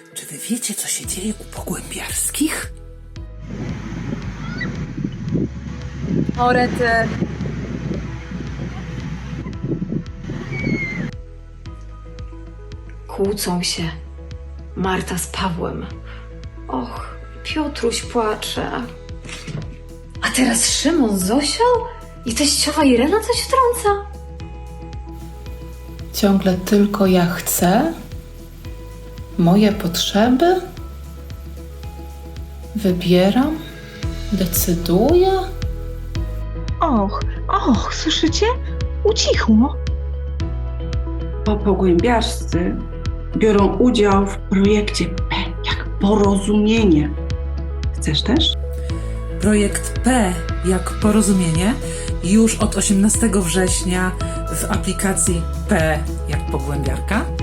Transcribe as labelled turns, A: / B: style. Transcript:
A: Czy wy wiecie, co się dzieje u Pogłębiarskich?
B: Orety.
C: Kłócą się. Marta z Pawłem. Och, Piotruś płacze. A teraz Szymon z Zosią? I teściowa Irena coś wtrąca?
D: Ciągle tylko ja chcę, moje potrzeby, wybieram, decyduję.
E: Och, słyszycie? Ucichło.
F: Pogłębiarscy biorą udział w projekcie P jak porozumienie. Chcesz też?
A: Projekt P jak porozumienie już od 18 września w aplikacji P jak Pogłębiarka.